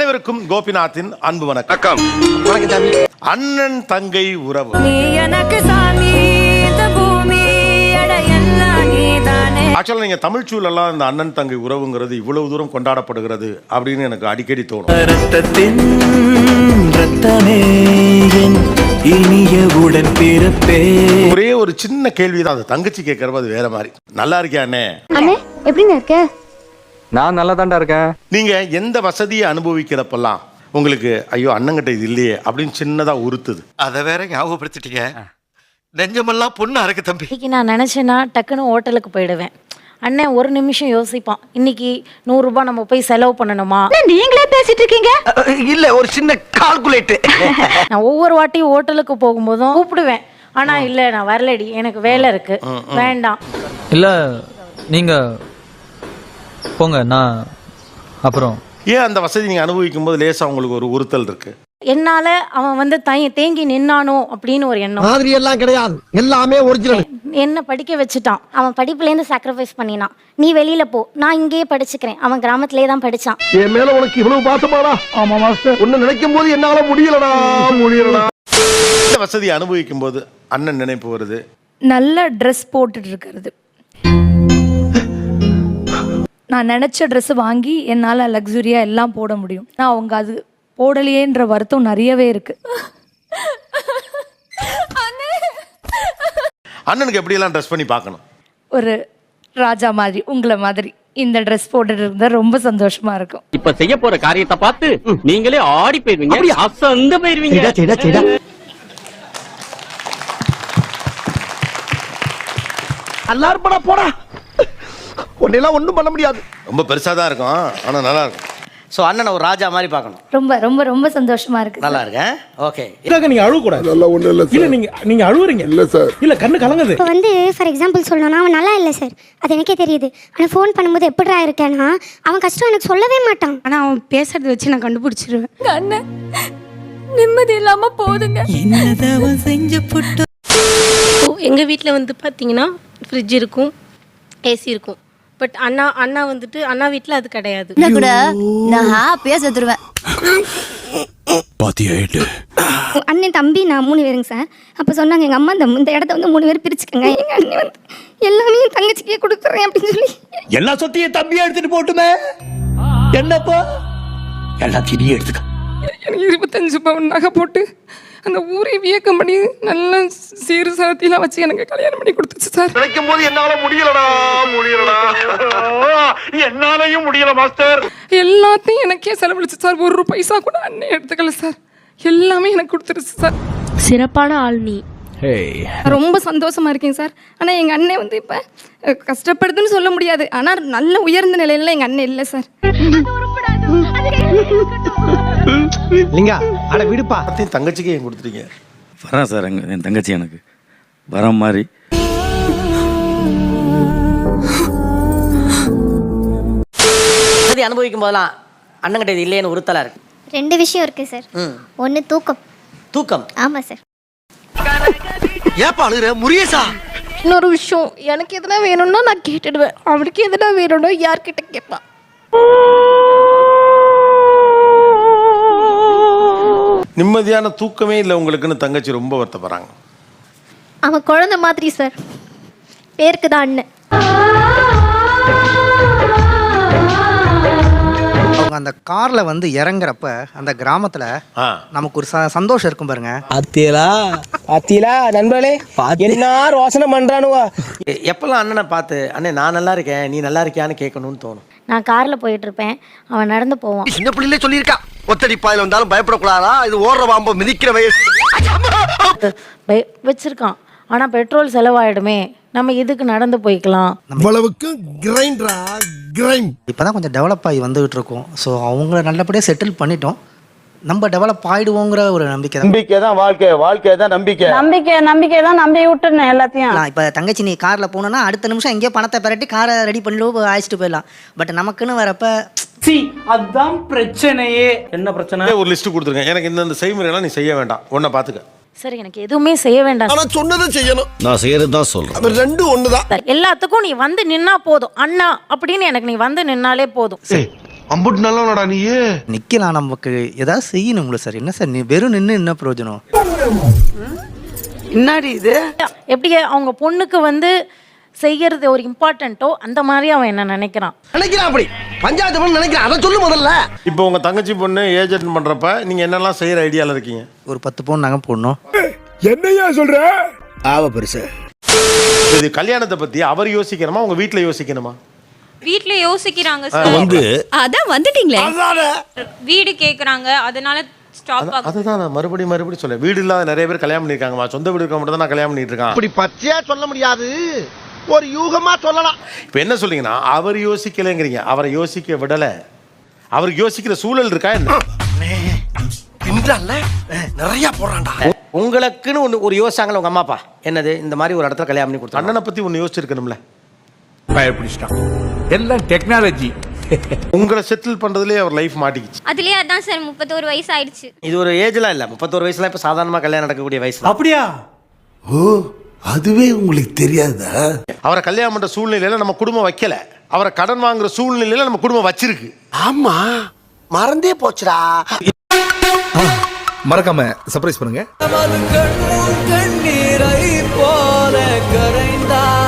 அனைவருக்கும் கோபிநாத்தின் அன்பு வணக்கம். அண்ணன் தங்கை உறவு. ஆக்சுவலா நீங்க தமிழ் சூழலாம் இந்த அண்ணன் தங்கை உறவுங்கிறது இவ்வளவு தூரம் கொண்டாடப்படுகிறது அப்படின்னு எனக்கு அடிக்கடி தோணும். ஒரே ஒரு சின்ன கேள்விதான், அது தங்கச்சி கேட்கறது அது வேற மாதிரி. நல்லா இருக்கியா அண்ணே? எப்படின்னு இருக்க? நான் நல்லா தான்டா இருக்கேன். நீங்க எந்த வசதியை அனுபவிக்கிறப்பெல்லாம் உங்களுக்கு ஐயோ அண்ணங்கிட்ட இது இல்லையே அப்படின்னு சின்னதா உறுத்துது? அதை வேற ஞாபகப்படுத்திட்டீங்க. நெஞ்சமெல்லாம் பொண்ணு அறக்கு தம்பி. இன்னைக்கு நான் நினச்சேன்னா டக்குன்னு ஹோட்டலுக்கு போயிடுவேன். அண்ணன் ஒரு நிமிஷம் யோசிப்பான், இன்னைக்கு 100 ரூபாய் நம்ம போய் செலவு பண்ணணுமா? நீங்களே பேசிட்டு இருக்கீங்க. இல்ல ஒரு சின்ன கால்குலேட். நான் ஒவ்வொரு வாட்டியும் ஹோட்டலுக்கு போகும்போதும் கூப்பிடுவேன், ஆனா இல்ல நான் வரலடி, எனக்கு வேலை இருக்கு, வேண்டாம். இல்ல நீங்க போங்க, நான் அப்புறம். ஏன் அந்த வசதி நீங்க அனுபவிக்கும் போது லேசா உங்களுக்கு ஒரு உறுத்தல் இருக்கு? என்னால அவன் வந்து தேங்கி நின்னானோ அப்படின்னு ஒரு எண்ணம். மாதிரி எல்லாம் கிடையாது, எல்லாமே ஒரிஜினல். என்ன படிக்க வச்சுட்டான். அவன் படிப்புலேருந்து சாக்ரிஃபைஸ் பண்ணினான். நீ வெளியில போ, நான் இங்கேயே படிச்சுக்கிறேன். அவன் கிராமத்திலே தான் படிச்சான். என் மேல உனக்கு இவ்வளவு பாசமாடா? ஆமா மாஸ்டர், ஒன்னு நினைக்கும் போது என்னால முடியலடா. இந்த வசதியை அனுபவிக்கும் போது அண்ணன் நினைப்பு வருது, நல்ல ட்ரெஸ் போட்டுட்டு இருக்கிறது. நான் நினச்ச ட்ரெஸ் வாங்கி என்னால் லக்ஸுரியாக எல்லாம் போட முடியும். நான் அவங்க அது போடலையேன்ற வருத்தம் நிறையவே இருக்கு. அண்ணனுக்கு எப்படியெல்லாம் ட்ரெஸ் பண்ணி பார்க்கணும்? ஒரு ராஜா மாதிரி, உங்களை மாதிரி இந்த ட்ரெஸ் போட்டுட்டு இருந்தா ரொம்ப சந்தோஷமா இருக்கும். இப்ப செய்ய போற காரியத்தை பார்த்து நீங்களே ஆடி போயிருவீங்க, அசந்து போயிருவீங்க. எல்லாரும் போடா, ஒன்னெல்லாம் ஒண்ணும் பண்ண முடியாது. ரொம்ப பெருசா தான் இருக்கும், ஆனா நல்லா இருக்கும். சோ அண்ணனை ஒரு ராஜா மாதிரி பார்க்கணும். ரொம்ப ரொம்ப ரொம்ப சந்தோஷமா இருக்கு. நல்லா இருக்கேன். ஓகே. நீங்க அழுவ கூடாது. நல்லா ஒண்ணு இல்ல சார். இல்ல நீங்க அழுவுறீங்க. இல்ல சார். இல்ல கண்ணு கலங்குது. இப்போ வந்து ஃபார் எக்ஸாம்பிள் சொல்லணும்னா அவன் நல்லா இல்லை சார், அது எனக்கே தெரியுது. ஆனால் ஃபோன் பண்ணும்போது எப்படிடா இருக்கேன்னா அவன் கஷ்டம் எனக்கு சொல்லவே மாட்டான். ஆனா அவன் பேசுறத வச்சு நான் கண்டுபிடிச்சிருவேன். அண்ணன் நிம்மதி இல்லாம போதுங்க. எங்க வீட்டில் வந்து பார்த்தீங்கன்னா ஃப்ரிட்ஜ் இருக்கும், ஏசி இருக்கும். பட் அண்ணா வந்துட்டு அண்ணா வீட்டில் அது கிடையாது. கூட நான் ஹாப்பியா செத்துருவேன். அண்ணன் தம்பி நான் 3 பேருங்க சார். அப்போ சொன்னாங்க எங்கள் அம்மா இந்த இடத்த வந்து 3 பேர் பிரிச்சுக்கோங்க, எங்கள் அண்ணன் வந்து எல்லாமே என் தங்கச்சிக்கே கொடுத்துறேன் அப்படின்னு சொல்லி. எல்லா சொத்தையும் தம்பியா எடுத்துட்டு போட்டுமே. என்னப்பா எல்லாத்தையும் நீ எடுத்துக்க. எனக்கு 25 பவுன் நகை போட்டு அந்த ஊரை வியக்கம் பண்ணி நல்ல சீர் சாத்தியெல்லாம் வச்சு எனக்கு கல்யாணம் பண்ணி கொடுத்துச்சு சார். நினைக்கும் போது என்னால முடியலடா. என்னாலையும் முடியல மாஸ்டர். எல்லாத்தையும் எனக்கே செலவழிச்சு சார். 1 பைசா கூட அண்ணன் எடுத்துக்கல சார். எல்லாமே எனக்கு கொடுத்துருச்சு சார். சிறப்பான ஆள் நீ. ரொம்ப சந்தோஷமா இருக்கேன் சார். ஆனால் எங்கள் அண்ணன் வந்து இப்போ கஷ்டப்படுதுன்னு சொல்ல முடியாது, ஆனால் நல்ல உயர்ந்த நிலையில எங்கள் அண்ணன் இல்லை சார். லிங்கா அட விடுப்பா. தங்கச்சிக்கு ஏன் கொடுத்துட்டீங்க? வரேன் சார், என் தங்கச்சி எனக்கு வர மாதிரி. அனுபவிக்கும் போதெல்லாம் அண்ணங்கிட்ட இது இல்லைன்னு உறுத்தலா இருக்கு. 2 விஷயம் இருக்கு சார். ஒன்று தூக்கம். தூக்கம்? ஆமாம் சார். ஏப்பா அழுகுற முரியசா? இன்னொரு விஷயம், எனக்கு எதுனா வேணும்னா நான் கேட்டுடுவேன், அவனுக்கு எதுனா வேணும்னா யார்கிட்ட கேட்பான். நிம்மதியான தூக்கமே இல்லை உங்களுக்குன்னு தங்கச்சி ரொம்ப வருத்தப்படுறாங்க. அவன் குழந்தை மாதிரி சார், பேருக்கு தான் அண்ணன். அவங்க அந்த கார்ல வந்து இறங்குறப்ப அந்த கிராமத்துல நமக்கு ஒரு சந்தோஷம் இருக்கும் பாருங்க. அத்தியலா நண்பர்களே, என்ன ரோசனை பண்றானுவா. எப்பெல்லாம் அண்ணனை பார்த்து அண்ணே நான் நல்லா இருக்கேன் நீ நல்லா இருக்கியான்னு கேட்கணும்னு தோணும். நான் காரில் போயிட்டு இருப்பேன், அவன் நடந்து போவான். சின்ன பிள்ளையிலே சொல்லியிருக்கா, ஒத்தடி பாயில வந்தாலும் பயப்படக்கூடாதா, இது ஓடுற பாம்பு மிதிக்கிற வயசு வச்சிருக்கான். ஆனால் பெட்ரோல் செலவாயிடுமே, நம்ம இதுக்கு நடந்து போய்க்கலாம். இப்பதான் கொஞ்சம் டெவலப் ஆகி வந்துகிட்டு இருக்கோம். ஸோ அவங்கள நல்லபடியாக செட்டில் பண்ணிட்டோம். நம்ம டெவலப் ஆயிடுவோங்கிற ஒரு நம்பிக்கை தான். வாழ்க்கை தான் நம்பிக்கை தான் நம்பி விட்டுருந்தேன் எல்லாத்தையும். இப்போ தங்கச்சி நீ காரில் போனோன்னா அடுத்த நிமிஷம் எங்கேயோ பணத்தை பெரட்டி காரை ரெடி பண்ணிட்டு அழைச்சிட்டு போயிடலாம். பட் நமக்குன்னு வரப்ப அதுதான் பிரச்சனையே. என்ன பிரச்சனை? ஒரு லிஸ்ட் கொடுத்துருங்க, எனக்கு இந்த செய்முறையெல்லாம் நீ செய்ய வேண்டாம், ஒன்றை பார்த்துக்க. சரி, எனக்கு எதுவுமே செய்ய வேண்டாம். ஆனா சொன்னதை செய்யணும். நான் செய்யறது தான் சொல்றேன். அது ரெண்டும் ஒண்ணுதான். எல்லாத்துக்கும் நீ வந்து நின்னா போதும் அண்ணா அப்படின்னு, எனக்கு நீ வந்து நின்னாலே போதும். அம்புட்டு நல்லவனடா நீ. நிக்கலாம், நமக்கு ஏதாவது செய்யணுங்களா சார்? என்ன சார் நீ வெறும் நின்று என்ன பிரயோஜனம்? என்னடி இது? எப்படி அவங்க பொண்ணுக்கு வந்து செய்யறது ஒரு இம்பார்ட்டண்ட்டோ அந்த மாதிரி அவன் என்ன நினைக்கிறான். நினைக்கிறான் அப்படி பஞ்சாயத்து பண்ண நினைக்கிறான். அதை சொல்லு முதல்ல. இப்போ உங்க தங்கச்சி பொண்ணு ஏஜென்ட் பண்றப்ப நீங்க என்னெல்லாம் செய்யற ஐடியால இருக்கீங்க? ஒரு 10 பவுன் நகை போடணும். என்னையா சொல்ற? ஆவ பெருசு. இது கல்யாணத்தை பத்தி அவர் யோசிக்கணுமா, உங்க வீட்டுல யோசிக்கணுமா? வீட்ல யோசிக்கிறாங்க வந்து அதான் வந்துட்டீங்களே. வீடு கேக்குறாங்க, அதனால ஸ்டாப் அதுதான் நான் மறுபடியும் சொல்ல, வீடு இல்லாத நிறைய பேர் கல்யாணம் பண்ணிருக்காங்கம்மா. சொந்த வீடு இருக்க மட்டும் தான் நான் கல்யாணம் பண்ணிட்டு இருக்கேன். அப்படி பச்சையா சொல்ல முடியாது, ஒரு யூகமா சொல்லலாம். இப்போ என்ன சொல்றீங்கன்னா அவர் யோசிக்கலைங்கிறீங்க, அவரை யோசிக்க விடல. அவருக்கு யோசிக்கிற சூழல் இருக்கா என்ன? நிறைய போறான்டா. உங்களுக்குன்னு ஒரு யோசிச்சாங்களா உங்க அம்மா அப்பா? என்னது இந்த மாதிரி ஒரு இடத்துல கல்யாணம் பண்ணி கொடுத்தாங்க. அண்ணனை பத்தி ஒன்று யோசிச்சிருக்கணும்ல. பயப்பிடிச்சிட்டான். எல்லாம் டெக்னாலஜி. உங்களை செட்டில் பண்றதுலேயே அவர் லைஃப் மாட்டிக்கிச்சு. அதுலயே அதான் சார் 31 வயசு ஆயிடுச்சு. இது ஒரு ஏஜ்லாம் இல்ல, 31 வயசுல இப்ப சாதாரணமா கல்யாணம் நடக்கக்கூடிய வயசு. அப்படியா? ஓ, அதுவே உங்களுக்கு தெரியாதா? அவரை கல்யாணம் பண்ற சூழ்நிலையில நம்ம குடும்பம் வைக்கல, அவரை கடன் வாங்குற சூழ்நிலையில நம்ம குடும்பம் வச்சிருக்கு. ஆமா, மறந்தே போச்சுடா. மறக்காம சர்ப்ரைஸ் பண்ணுங்க.